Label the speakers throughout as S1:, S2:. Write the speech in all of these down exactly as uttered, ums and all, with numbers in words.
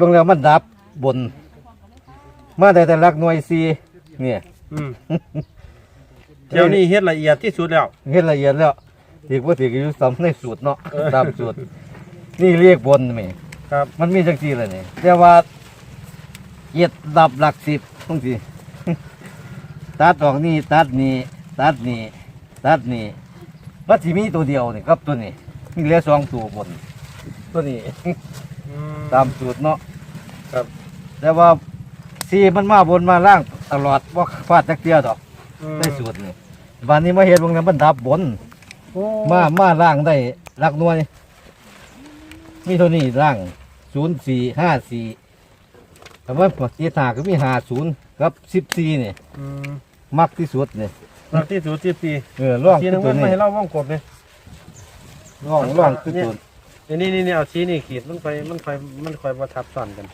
S1: บิ่งแล้วมันดับบนมาได้แต่หลักหน่วยสี่เนี่ย
S2: อืมเดี๋ยวนี้เฮ็ดละเอียดที่สุดแล้ว
S1: เฮ็ดละเอียดแล้วถือว่าถืออยู่ซ้ำในสูตรเนาะตามสูตรนี่เรียกบนแม่
S2: ครับ
S1: มันมีจังซี่แหละนี่แต่ว่าเหยียดดับหลักสิบจังซี่ ตัดออกนี่ตัดนี่ตัดนี่ตัดนี่มันสิมีตัวเดียวนี่ครับตัวนี้มีเหลือสองตัวบน ตัวนี้
S2: อืม
S1: ตามสูตรเนาะ
S2: ครับ
S1: แต่ว่าสีมันมาบนมาล่างตลอดว่าฟาดจักเตี้ยดอก
S2: อืม
S1: ได้สูตรนี่วันนี้มาเห็นวงนั้นมันดับบน
S2: โอ้
S1: มามาล่างได้หลักหน่วยมีเท่านี้ล่างศูนย์สี่ห้าสี่แต่ว่าปฏิทาก็มีห้าศูนย์กับสิบสี่นี่
S2: อืม
S1: มักที่สุดนี่
S2: หลักที่สุดที่ปี
S1: เออร่อง
S2: ที
S1: คือ
S2: นึง
S1: ตั
S2: มั
S1: วน นี้
S2: ไม่ให้เราว่องกบเลย
S1: ร่องร่องคือตัว
S2: อันนี้นี่นี่เอาชี้นี่ขีดมันคอยมันคอยมันคอยประทับซ้อนกัน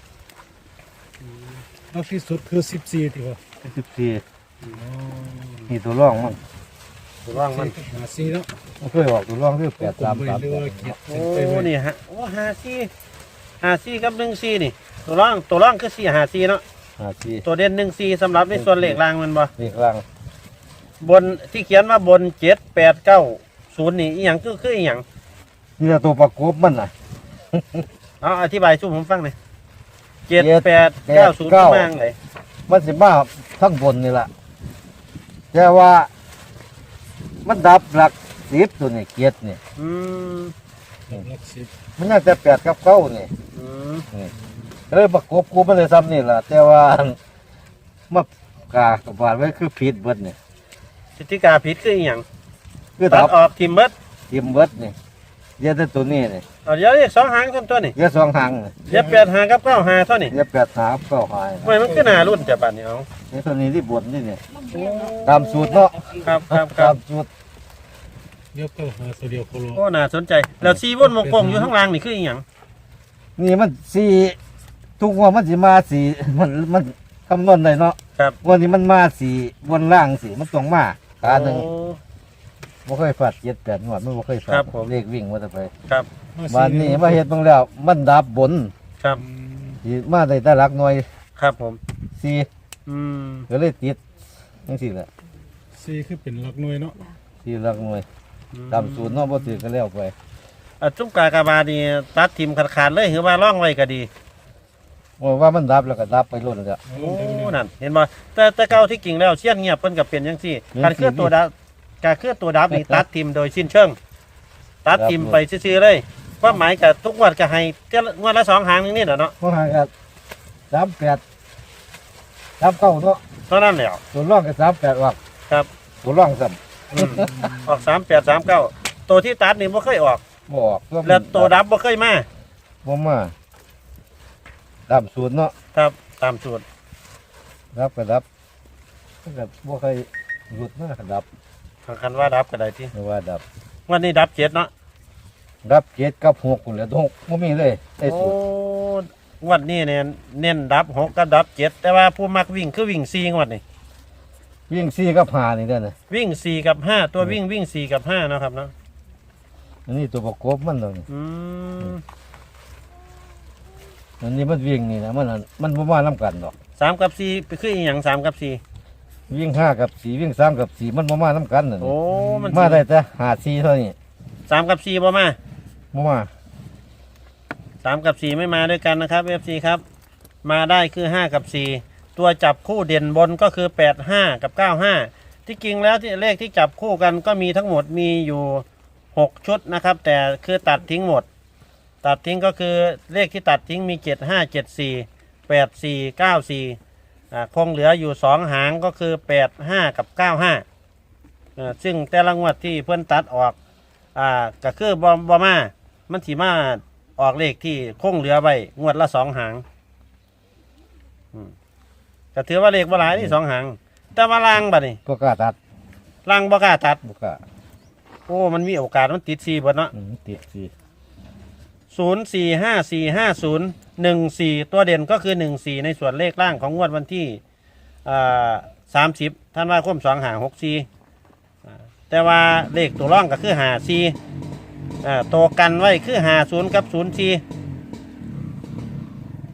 S3: แล้วที่สุดคือสิบสี่ที่ว่า
S1: สิบสี่นี่ตัวร่องมัน
S2: ถูกต้องมัน
S3: หาสี่แล้ว
S1: มันเคยออกตัวร่องคือแปดสาม
S3: ผม
S1: สาม
S3: เรียกว่าเกียรติ
S2: โอ้
S3: เป็นไปไว้
S2: นี่ฮะโอ้หาซี่หาซี่กับหนึ่งซี่นี่ ตัวร่องตัวร่องคือสี่หาซี่เนาะ
S1: ห้าสี่
S2: ตัวเด่นหนึ่งซี่สำหรับในส่วนเลขล่างมันบ่
S1: เลขล่าง
S2: บนที่เขียนว่าบนเจ็ดแปดเก้าศูนย์นี่อีหยังคือคืออีหยัง
S1: นี่แหละตัวประกบมันน่ะ
S2: เอาอธิบายช่วยผมฟังหน่อยเจ็ด
S1: เจ็ด
S2: แปดเก้าศูนย์
S1: เก้า
S2: มางเลย
S1: มันสิมาทั้งบนนี่แหละแต่ว่ามันดับหลักสิบตัวนี่เกียรตินี่
S2: อืม
S3: หลักสิบ
S1: มันน่าจะแปดกับเก้านี่
S2: อืม
S1: นี่เลยประกบกูมันเลยซ้ำนี่แหละแต่ว่ามากากับบาดไว้คือผิดเบิดนี่
S2: พฤติกาผิดคืออีหยัง
S1: คือ
S2: ตั
S1: ดั
S2: ด
S1: บ
S2: ออกทิมเบิด
S1: ทิมเบิดนี่เดี๋ยอะแต่ตัวนี้นี่
S2: เอาเดี๋ยวเรียกสองหางต้นตัวนี่
S1: เดี๋ยอะสองหางนี่
S2: เดี๋ยวแปดหางกับเก้าหางเท่านี่
S1: เดี๋ยอะแปดหางเก้าหาง
S2: ทำไมมันคือหนารุ่นจะบัดนี่เอา
S1: นี่ตัวนี้ที่บนนี่นี่ตามสูตรเนาะ
S2: ครับครับค
S1: ตา
S2: รับ
S1: มสูตร
S3: เดี๋ยวก็หาตัวเดียวโคโล
S2: โอ้น่าสนใจ แล้วซีวนวงกลมอยู่ข้างล่างนี่คืออีหยัง
S1: นี่มันสี่ทุกงวดมันสิมาสี่มันมันคำนวณได้เนาะ
S2: ครับ
S1: วันนี้มันมาสี่บนล่างสี่มันต้องมาขาหนึ่ง
S2: โอ้
S1: บ่เคยฟาดเจ็ดแปดงวดมันบ่เคยฟา
S2: ครั
S1: ด
S2: บผม
S1: เลขวิ่งมาแต่ไป
S2: ครับ
S1: วันนี้มาเฮ็ดเบิ่งแล้วมันดับบน
S2: ครับ
S1: สิมาได้แต่หลักหน่วย
S2: ครับผม
S1: สี่
S2: อืม
S1: ก็เลยติดจังซี่แหละ
S3: สี่คือเป็นหลักหน่วยเนาะ
S1: สี่หลักหน่วยตามสูตรเนาะบ่ถือก็แล้วไป
S2: อ่ะจุ่มกากาบานี่ตัดทิมขาดๆเลยหรือว่าร่องไว้ก็ดี
S1: ว่าว่ามันดับแล้วก็ดับไปล้นแล้ว
S3: เอาล
S2: โอ้
S3: งไปเลย
S2: นั่นเห็นบ่แต่แต่เก่าที่กิ่งแล้วเสี้ยนเงียบเพิ่นก็เป็นจังซี่
S1: เห็น
S2: การเคลื่อนตัวดับการเคลื่อนตัวดับนี่ตัดทิมโดยสิ้นเชิง ตัดทิมไปซื่อๆเลยความหมายกับทุกงวดก็ให้เทื่อละงวดละสองหางนึงนี่แหละเนาะ
S1: เพราะหาก็สามแปดสามเก้าเนาะ
S2: เท่านั้นแหละ
S1: ตัวร่องก็สามแปดออก
S2: ครับ
S1: ตัวร่องซ้ำ
S2: อืมออกสามแปดสามเก้าตัวที่ตัดนี่บ่เคยออก
S1: บ่ออกมัน
S2: แล้วตัวดับบ่เคยมา
S1: บ่มาตามสูตรเนาะ
S2: ครับตามสูตร
S1: ดับก็ดับมันก็บ่เคยหลุดมาดับ
S2: คันว่าดับก็ได้ที่
S1: หรือว่าดับ
S2: วันนี้ดับเจ็ดเนาะ
S1: ดับเจ็ดกับหกคนแหล้วหกบ่มีเลยไอ้
S2: โอ้
S1: สูตรง
S2: วันนี้เนี่ยเน้นดับหกกับดับเจ็ดแต่ว่าผู้มักวิ่งคือวิ่งสี่งวดนี่
S1: วิ่งสี่กับห้านี่เด้อนะ
S2: วิ่งสี่กับห้าตัววิ่งวิ่งสี่กับห้าเนาะครับเนาะ
S1: อันนี้ตัวประกบมันตรงนี้
S2: อืม
S1: อันนี้มันวิ่งนี่นะมันอันมันบ่มานํกันดอก
S2: สามกับสี่คืออีหยังสามกับสี่
S1: วิ่งห้ากับสี่วิ่งสามกับสี่มันบ่มานํกันนั่น
S2: โอ้มัน
S1: มาได้แต่หาสี่เท่านี้
S2: สามกับสี่บ่มา
S1: บ่มา
S2: สามกับสี่ไม่มาด้วยกันนะครับเอฟซีครับ มาได้คือห้ากับสี่ตัวจับคู่เด่นบนก็คือแปดห้ากับเก้าห้าที่จริงแล้วที่เลขที่จับคู่กันก็มีทั้งหมดมีอยู่หกชุดนะครับ แต่คือตัดทิ้งหมด ตัดทิ้งก็คือเลขที่ตัดทิ้งมีเจ็ดห้าเจ็ดสี่แปดสี่เก้าสี่อ่าคงเหลืออยู่สองหางก็คือแปดห้ากับเก้าห้าอ่าซึ่งแต่ละงวดที่เพื่อนตัดออกอ่าก็คือบอมบอมามันถีมาออกเลขที่คงเหลือไว้งวดละสองหางอืมก็ถือว่าเลขบ่หลายนี่สองหางแต่ว่าล่างบัดนี่
S1: ก็กล้าตัด
S2: ล่างบ่กล้าตัด
S1: บ่กล้า
S2: โอ้มันมีโอกาสมันติดสี่เบิดเนาะ
S1: อืมติดสี่
S2: ศูนย์สี่ห้าสี่ห้าศูนย์หนึ่งสี่ตัวเด่นก็คือหนึ่งสี่ในส่วนเลขล่างของงวดวันที่สามสิบท่านว่าคมสองหางหกสี่แต่ว่าเลขตัวร่องก็คือหาสี่ตัวกันไว้คือหาศูนย์กับศูนย์สี่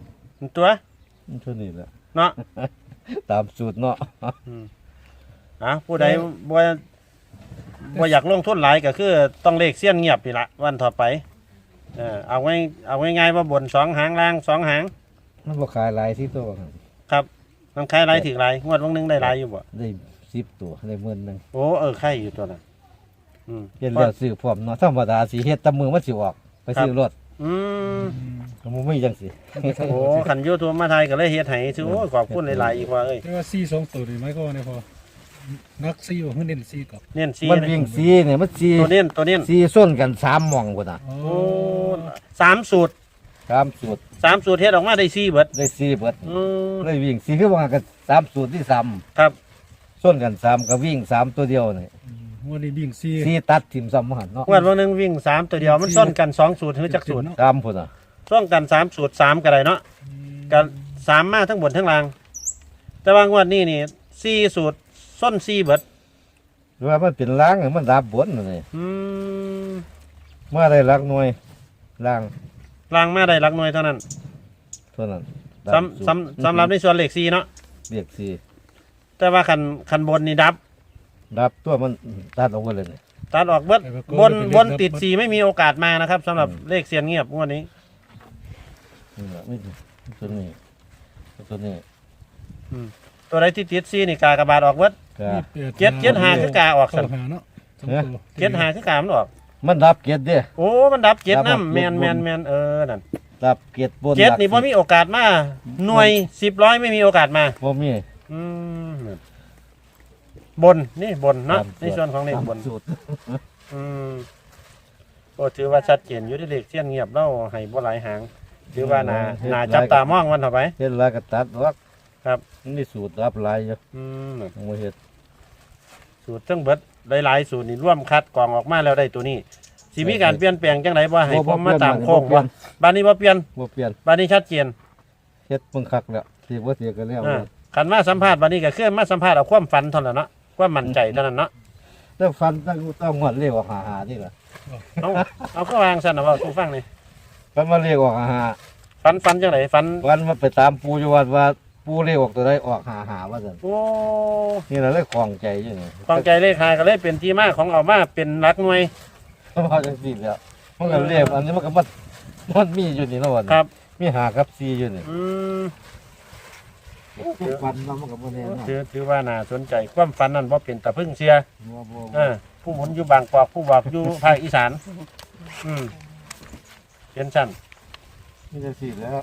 S2: ตัว
S1: เท่านี้แหละ
S2: เนาะ
S1: ตามสูตรเนาะ
S2: อืมอ่ะผู้ใดบ่บ่อยากลงทุนหลายก็คือต้องเลขเสี้ยนเงียบนี่ละวันต่อไปเออเอาไว้เอาง่ายๆว่าบนสองหางล่างสองหาง
S1: มันบ่ขายหลายที่ตัวครับ
S2: ครับมันขายหลายถึงหลายงวดวันหนึงได้หลายอยู่บ่
S1: ได้สิบตัวได้หมื่นหนึง
S2: โอ้เออใครอยู่ตัวน่ะอืม
S1: เฮ็ดแล้วซื้อพร้อมเนาะธรรมดาสิเฮ็ดแตะมือมันสิออกไปซื้อรถ
S2: อืม
S1: ก็บ่มีจังสิ
S2: โอ้ขันยูทูบมาไทยก็เลยเฮ็ดให้ซื้อโอ้ยขอบคุณหลายๆอีกว่าเอ้ย
S3: แต่ว่าสี่สองตัวนี่ไหมก็ว่าเนี่ยพอนักสี่ว่าเพิ่งเน้นสี่กับ
S2: เน้นซี
S1: มันวิ่งสีเนี่ยมันสี
S2: ตัวเน้นตัวเน้น
S1: สีส้นกันสามหม่องพุ่นน่ะ
S3: โอ้
S2: โอ้สามสูตร
S1: สามสูตร
S2: สามสูตรเฮ็ดออกมาได้ซีเบิด
S1: ได้สีเบิด
S2: อืม
S1: เลยวิ่งสีคือว่ากันสามสูตรที่สาม
S2: ครับ
S1: ส้นกันสามก็วิ่งสามตัวเดียวนี่
S3: วันนี้บิ่งสี่
S1: สีตัดทิ่มซ้ำหันเนาะ
S2: งวดวันหนึงวิ่งสามตัวเดียวมันซ่อนกันสองสูตรหรือจักสูตร
S1: ตามพุ่นน่ะ
S2: ซ่อนกันสามสูตรสามก็ได้เนาะกันสามมาทั้งบนทั้งล่าง แต่ว่างวดนี้นี่สี่สูตรซ่อนสี่เบิด
S1: หรือว่ามันเป็นล้างมันดับบนนี่
S2: อืม
S1: มาได้หลักหน่วยล้าง
S2: ล่างมาได้หลักหน่วยเท่านั้น
S1: เท่านั้น
S2: สำสำสำหรับในส่วนเลขสี่เนาะ
S1: เรียกสี
S2: แต่ว่าคันคันบนนี่ดับ
S1: ดับตัวมันตัดออกไปเลยนี่
S2: ตัดออกเบิดบนบนติดสี่ไม่มีโอกาสมานะครับสำหรับเลขเสียนเงียบงวดนี้
S1: นี่แหละไม่ตัวนี้ตัวนี้
S2: ตัวใดที่ติดสี่นี่กากระบาดออกเบิด
S1: ก็
S2: เจ็ดเจ็ดหาคือกาออก
S3: เข้า
S2: สั่น
S3: หาเนาะสองตัว
S2: เจ็ดหาคือกามันออก
S1: มันดับเกียรติเด้
S2: โอ้มันดับเจ็ด
S1: ดับ
S2: น้ำแมน
S1: บน
S2: แมนแมนเออนั่น
S1: ดับเกียรติบน
S2: เจ็ด
S1: หลัก
S2: นี่พอมีโอกาสมาหน่วยสิบร้อยไม่มีโอกาสมา
S1: บ่มี
S2: อืมบนนี่บนเนาะ
S1: ตาม
S2: ในส่วนของเลขบน
S1: ตามสูตร
S2: อืมโอ้ถือว่าชัดเจนอยู่ที่เลขเสี้ยนเงียบเล่าให้บ่หลายหางถือว่านานาจับตามองมันเถอะไป
S1: เฮ็ดหลายก็ตัดออก
S2: ครับ
S1: มันมีสูตรดับหลายอยู่
S2: อืม
S1: ต้องมาเฮ็ด
S2: สูตรทั้งเบิดหลายๆสูตรนี่ร่วมคัดกรองออกมาแล้วได้ตัวนี้สิมีการเปลี่ยนแปลงจังไดบ่ให้ผมมาตามโค้ง
S1: บ่
S2: บ่บ้านนี้บ่เปลี่ยน
S1: บ่เปลี่ยน
S2: บ้านนี้ชัดเจน
S1: เฮ็ดเบิ่งคักแล้วสิบ่เสียก็แล้ว
S2: อ่าคันมาสัมภาษณ์บ้านนี้ก็คือมาสัมภาษณ์เอาความฝันเท่านั้นเนาะความมั่นใจเท่านั้นเนาะ
S1: แล้วฟันตั้งต้องงวดเลขออกหาหานี่ล่ะ
S2: เอาเอาก็วางซั่นน่ะเว้าสู่ฟังนี่
S1: ฟันมาเลขออกหาหา
S2: ฝันฝันจังไดฝัน
S1: วันมาไปตามปูอยู่วัดว่าปูเลขออกตัวใดออกหาหาว่าซั่น
S2: โอ้
S1: นี่ล่ะเลยคล่องใจอยู่นี่
S2: ความใจเลขหาก็เลยเป็นที่มาของเอามาเป็นหลักหน่วย
S1: เพราะว่าจังซี่แล้วมันก็เลขอันนี้มันก็มันมันมีอยู่นี่เนาะวัน
S2: ครับ
S1: มีหากับซีอยู่นี่
S2: อืม
S1: ฟันเรามันก็บ่แน่นอน
S2: ถือถือว่าน่าสนใจความฝันนั้นบ่เป็นตะพึ่งเสีย
S1: บ่บ่
S2: เออผู้หมุนอยู่บางกอกผู้บอกอยู่ภาคอีสาน อืมเป็นชั้น
S1: มีแต่สิแล้ว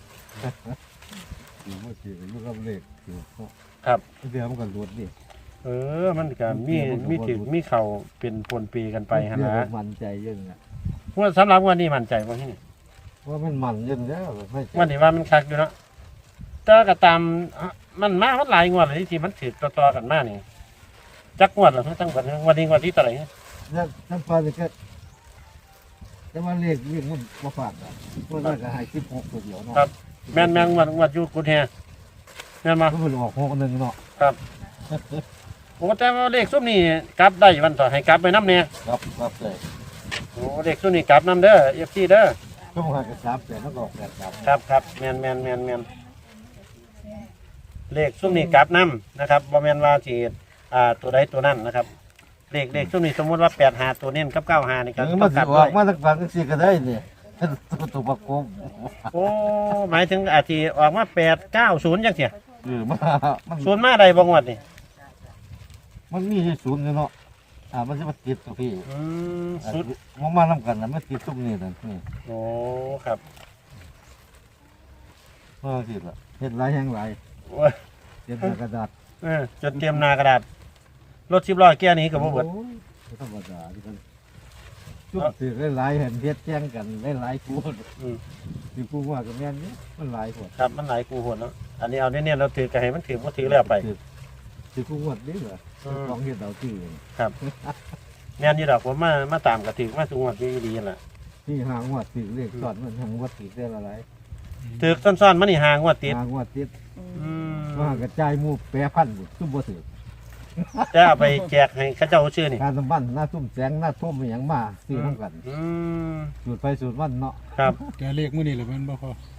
S1: อยู่บ่สิอยู่กับเลขอยู่
S2: ครับ
S1: เดี๋ยวมันก็หลุดดิ
S2: เออ มันก็มีมีถือมีเข่าเป็นปนปีกันไปฮะ
S1: เดี๋ยว
S2: นะ
S1: มันมั่นใจอยังไง
S2: ว่าสำหรับวันนี้มั่นใจว่าที่นี่
S1: ว่ามันมันอยังแล้วไม่
S2: วันนี้ว่ามันคักอยู่เนาะแต่ก็ตามอ่ะมันมามันหลายงวดเลยที่มันถือต่อๆกันมานี่จักงวดเหรอตั้งแต่วันนี้งวันที่เท่าไหร่
S1: แล้วน้ำปลาเนี่ยก็แต่ว่าเลขวิ่งมันมาฝาดอ่ะเพราะว่าก็ให้สิบหกตัวเดียวเนาะ
S2: ครับ แม่นแม่นงวดงวดอยู่กุดแฮแม่นมา
S1: ก็เป็นออกหกหนึ่งเนาะ
S2: โอ้แต่ว่าเลขซุ้มนี่กลับได้วันต่อให้กลับไปน้ำเนี่ย
S1: ครับครับเลย
S2: โอ้เลขซุ้มนี่กลับน้ำเด้อเอฟซีเด้อ
S1: ช่วงหากับสามแต่แล้วก็ออกแปดครับ
S2: ครับครับแมนแมนแมนแมนเลขซุ้มนี่กลับน้ำนะครับบอแมนว่าจีอ่าตัวใดตัวนั้นนะครับ เลขเลขซุ้มนี่สมมติว่าแปดหาตัวเน้นกับเก้าหานี่ก็
S1: ถึง
S2: ต้
S1: มา
S2: อง
S1: สิ
S2: กลับ
S1: อ
S2: ด้
S1: อ
S2: ว
S1: ก
S2: ย
S1: มาตั้งฝั่งสี่ก็ได้เนี่ยตัวตัวประกบ
S2: โอ้หมายถึงอาทีออกมาแปดเก้าศูนย์จังเสีย
S1: เออมามัน
S2: ศูนย์มาใดบางวัดนี่
S1: มันมีที่ศูนย์อยู่เนาะอ่ามันจะมาติดตัวพี่
S2: อืม
S1: อ่า
S2: ศูนย์
S1: มันมาทำกันนะมันติดตุ้มนี่นั่นนี่
S2: โอ้ครับ
S1: มาสิละเห็ดหลายแห่งหลาย
S2: โอ้ย
S1: เห็ดหน้ากระดาษ
S2: เออจนเตรียมหนากระดาษรถสิบล้อแก้นี้กับบ่เบิด
S1: โอ้ยบ่ธรรมดาที่มันช่วงถือหลายๆเห็นเฮ็ดแจ้งกันหลายๆกู
S2: อืม
S1: ที่กูว่ากับแม่นนี่มันหลายคน
S2: ครับมันหลายกูหนเนาะอันนี้เอาเนี่ยเราถือกระให้มันถือบ่ถือแล้วไป
S1: ที่กูวดนี่เหรอ
S2: อืม
S1: ของเฮ็ดเอาที่
S2: แม่นอยู่ดอกผมมามาตามกระถือมาสุงวัดดีดีนั่นล่ะ
S1: ที่หางวดติดเลขสอนมันหางวดติดได้ละหลาย
S2: ถือซ่อนๆมันนี่หางวดติด
S1: หางวดติด
S2: อืม
S1: ว่ากระจายหมู่แปรพันธุ์ซุ่มบ่ถือ
S2: จะเอาไปแจกให้เขาเจ้าชื่อนี่
S1: การสมบัติหน้าซุ่มแสงหน้าทุ่มอหย่างมาซื้อน้ำกัน
S2: อืม
S1: สูตรไปสูตรมันเนาะ
S2: ครับ
S3: แกเลขมื้อนี้แหละแมันบ่พอ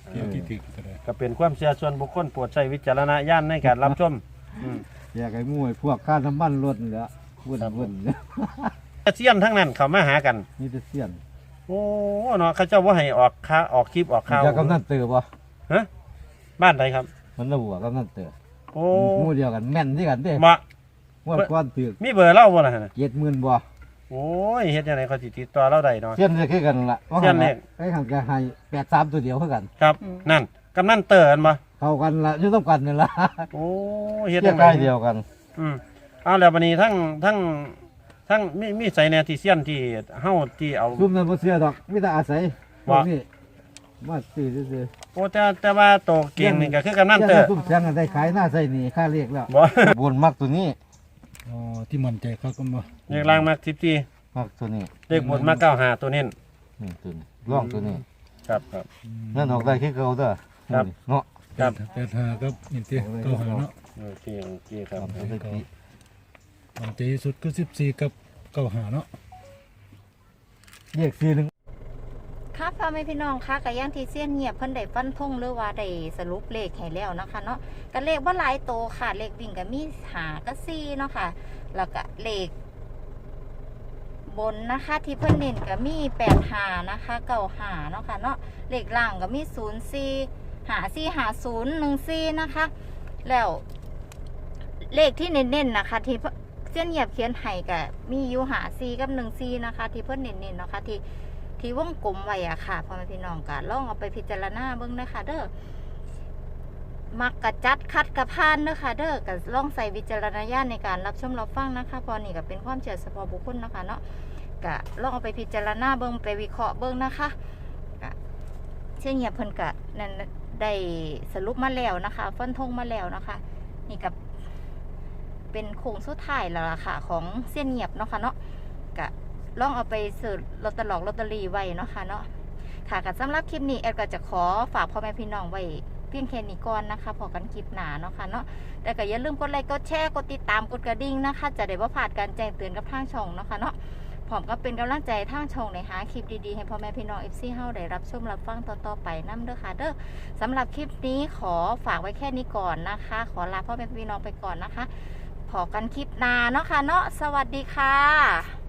S3: เกี่ยวที่ติดก็ได้
S2: ก็เป็นความเชื่อส่วนบุคคลโปรดใช้วิจารณญาณในการรับชมอืม
S1: อยากให้มวยพวกค่าน้ำมันรถนี่แหละวุ่น
S2: ครับ
S1: วุ่น
S2: เซียนทั้งนั้นเขามาหากัน
S1: นี่จะเสี้ยน
S2: โอ้เนาะเขาเจ้าว่าให้ออกค่าออกคลิปออกข่าว
S1: จะกำนันเตือบ่
S2: ฮะบ้านใดครับ
S1: มันระหัวกำนันเตือ
S2: โอ้
S1: หมู่เดียวกันแม่นที่กันเด้
S2: มา
S1: งวดก้อนถือ
S2: มีเบอร์เล่าบ่ล่ะฮะ
S1: เจ็ดหมื่นบ่
S2: โอ้ยเฮ็ดยังไงเขาสิติดต่อเราได้เนาะ
S1: เสี้ยนจะคือกันล่ะว่า
S2: เสี้ยนเลข
S1: ไอ้หันก็ให้แปดสามตัวเดียวเท่ากัน
S2: ครับ นั่นกำนันเตอร์อันบ่
S1: เข้ากันละอยู่ต้องกันนี่ล่ะ
S2: โอ้เฮ็ด
S1: เสี้ย
S2: ยั
S1: น
S2: ง
S1: ใก
S2: ไง
S1: ล้เดียวกัน
S2: อืมเอาแล้วบัดนี้ทั้งทั้งทั้งมีมีใส่แนวที่เซียนที่เฮาที่เอา
S1: ซุ่มนั้นบ่เสียดอกมีแต่อาศัยพว
S2: ว่า
S1: กนี้มาซื้อซื่อ
S2: โอ้แต่แต่ว่าโตเก่งนี่ก็คือกำ
S1: ๆ
S2: นันเตอร์
S1: ซุ่มเสียงกันได้ขายหน้าใส่นี่ค่าเรียกแล้ว
S2: บ่
S1: บนมักตัวนี้
S3: อ๋อที่มันใจเขาก็มา
S2: เลขล่างมาสิบสี่
S1: มักตัวนี้
S2: เลขบนมาเก้าห้าตัวเน้น
S1: นี่ตัวนี้ร่องตัวนี้
S2: ครับครับ
S1: นั่นออกได้คือเก่าเด้อ
S2: ครับ
S1: เนาะ
S2: ครับ
S3: แปดห้าครับนี่ที่เก้าหาเนาะ
S2: โอเคโอเคครับ
S1: เอาไปติ
S3: มันใจที่สุดคือสิบสี่กับเก้าหาเนาะ
S1: เรียกซีหนึง
S4: ค่ะพ่อแม่พี่น้องค่ะกับย่างที่เสี้ยนเงียบเพิ่นได้ฟันธงหรือว่าได้สรุปเลขให้แล้วนะคะเนาะก็เลขว่าหลายโตวค่ะเลขวิ่งก็มีหาก็ซี่เนาะค่ะแล้วก็เลขบนนะคะที่เพิ่นเน้นก็มีแปดหานะคะเก้าหาเนาะค่ะเนาะเลขล่างก็มีศูนย์สี่หาสี่หาศูนย์หนึ่งสี่นะคะแล้วเลขที่เน้นๆนะคะที่เสี้ยนเงียบเขียนให้ก็มีอยู่หาสี่กับหนึ่งสี่นะคะที่เพิ่นเน้นๆเนาะค่ะที่ ที่วงกลมไว้อะค่ะพ่อแม่พี่น้องก็ลองเอาไปพิจารณาเบิ่งนะคะเด้อมักกะจัดคัดกะพานเด้อค่ะเด้อก็ลองใส่วิจารณญาณในการรับชมรับฟังนะคะเพอนี่ก็เป็นความเชื่อเฉพาะบุคคลนะคะเนาะก็ลองเอาไปพิจารณาเบิ่งไปวิเคราะห์เบิ่งนะคะก็เช่นเงียบเพิ่นก็นั่นได้สรุปมาแล้วนะคะฟันธงมาแล้วนะคะนี่กับเป็นโค้งสุดท้ายแล้วล่ะค่ะของเส้นเงียบเนาะค่ะเนาะก็ลองเอาไปซื้อลอตเตอรี่ลอตเตอรี่ไว้เนาะค่ะเนาะค่ะก็สำหรับคลิปนี้แอดก็จะขอฝากพ่อแม่พี่น้องไว้เพียงแค่นี้ก่อนนะคะพอกันคลิปหนาเนาะค่ะเนาะแต่ก็อย่าลืมกดไลค์กดแชร์กดติดตามกดกระดิ่งนะคะจะได้บ่พลาดการแจ้งเตือนกับทางช่องเนาะค่ะเนาะพร้อมก็เป็นกำลังใจทางช่องในหาคลิปดีๆให้พ่อแม่พี่น้อง เอฟ ซี เฮาได้รับชมรับฟังต่อๆไปนำเด้อค่ะเด้อสำหรับคลิปนี้ขอฝากไว้แค่นี้ก่อนนะคะ ขอลาพ่อแม่พี่น้องไปก่อนนะคะพอกันคลิปหน้าเนาะค่ะเนาะสวัสดีค่ะ